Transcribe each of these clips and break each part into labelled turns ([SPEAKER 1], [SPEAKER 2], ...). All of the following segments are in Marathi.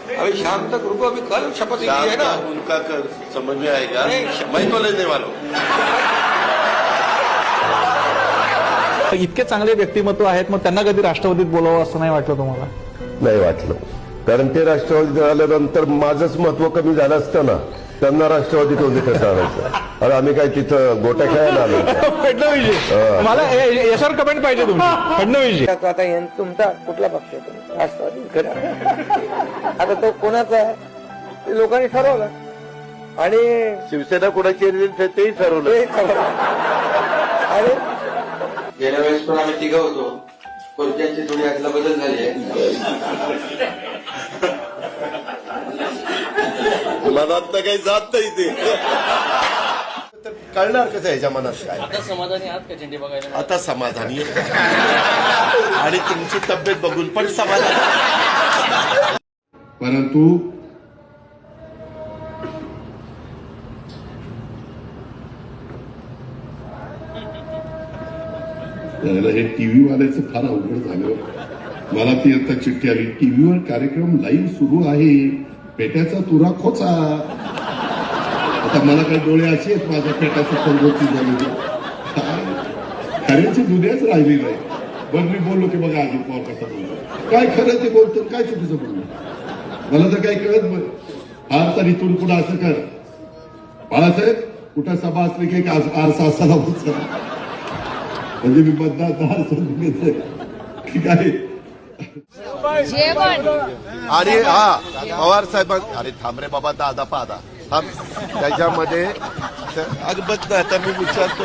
[SPEAKER 1] अभी शाम तक रुको, अभी कल शपथ ली है ना।
[SPEAKER 2] उनका समझ में आएगा, मैं तो लेने वाला हूं।
[SPEAKER 3] इतके चांगले व्यक्तिमत्व आहेत, मग त्यांना कधी राष्ट्रवादीत बोलावं असं नाही वाटलं तुम्हाला?
[SPEAKER 4] नाही वाटलं, कारण ते राष्ट्रवादीत आल्यानंतर माझंच महत्व कमी झालं असतं ना. त्यांना राष्ट्रवादीत होते कसं आणायचं? अरे आम्ही काय तिथं गोट्या खेळायला आलो?
[SPEAKER 3] फडणवीसजी, मला याच्यावर कमेंट पाहिजे तुमची. फडणवीसजी,
[SPEAKER 1] आता तुमचा कुठला पक्ष आहे? राष्ट्रवादी. खरं आता तो कोणाचा आहे ते लोकांनी ठरवलं, आणि
[SPEAKER 2] शिवसेना कोणाची तेही ठरवलं.
[SPEAKER 1] आणि गेल्या वेळेस पण आम्ही तिघं होतो, खुर्च्यांची थोडी आतला बदल झाली आहे.
[SPEAKER 2] मनात तर काही जात नाही ते. कळणार कसं ह्याच्या मनात काय?
[SPEAKER 5] आता समाधानी आहात का झेंडे बघायला?
[SPEAKER 2] आता समाधानी आणि तुमची तब्येत बघून पण समाधानी.
[SPEAKER 6] परंतु हे टीव्ही वाल्याचं फार अवघड झालं. मला ती आता चिठ्ठी आली, टीव्हीवर कार्यक्रम लाईव्ह सुरू आहे, पेट्याचा तुरा खोचा. आता मला काही डोळे असे आहेत माझ्या पेटाचं पंगोती झालेली, खऱ्याची दुनियाच राहिली नाही. बरं मी बोललो की बघा अजित पवार कसा बोलतो, काय खरं ते बोलतो, काय चुकीचं बोलतो, मला तर काही कळत नाही. फार तर इथून पुढे असं कर बाळासाहेब, कुठं सभा असली की आरसा असायला होत, म्हणजे मी मतदार ठीक आहे.
[SPEAKER 2] आणि हा पवार साहेब, अरे थांब रे बाबा, दादा पादा थांब. त्याच्यामध्ये अगबत नाही, आता मी विचारतो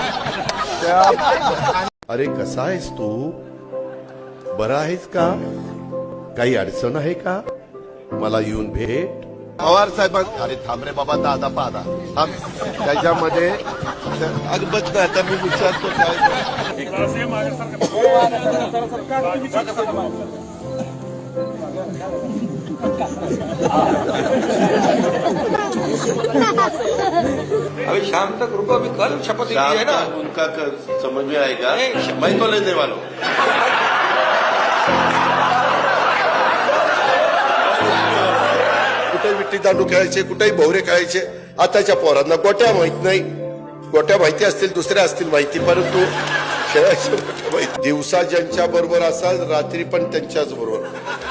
[SPEAKER 2] काय. अरे कसा आहेस तू, बरा आहेस का, काही अडचण आहे का, मला येऊन भेट. पवार साहेब, अरे थांब रे बाबा, दादा पादा थांब. त्याच्यामध्ये अगबत नाही, आता मी विचारतो काय.
[SPEAKER 1] अभी शाम तक रुको, अभी कल शपथ ली है ना।
[SPEAKER 2] उनका समझ में आएगा, मैं तो लेने वाला हूं. कुठे विट्टी दांडू खेळायचे, कुठेही भोवरे खेळायचे. आताच्या पोरांना गोट्या माहित नाही. गोट्या माहिती असतील, दुसऱ्या असतील माहिती, परंतु खेळायचं माहिती. दिवसा ज्यांच्या बरोबर असाल, रात्री पण त्यांच्याच बरोबर.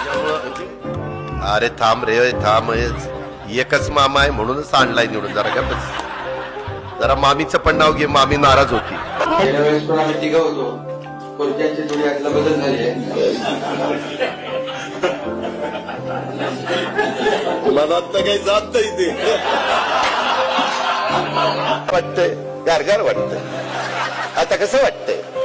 [SPEAKER 2] अरे थांब रे थांब, एकच मामा आहे म्हणूनच आणलाय निवडून. जरा का बस, जरा मामीचं पण नाव घे, मामी नाराज होती.
[SPEAKER 1] गेल्या वेळेस पण आम्ही तिघं होतो, खुर्च्यांची थोडी आतला बदल झाली आहे.
[SPEAKER 2] मनात तर काही जात नाही ते. वाटतंय गारगार वाटतंय. आता कसं वाटतंय?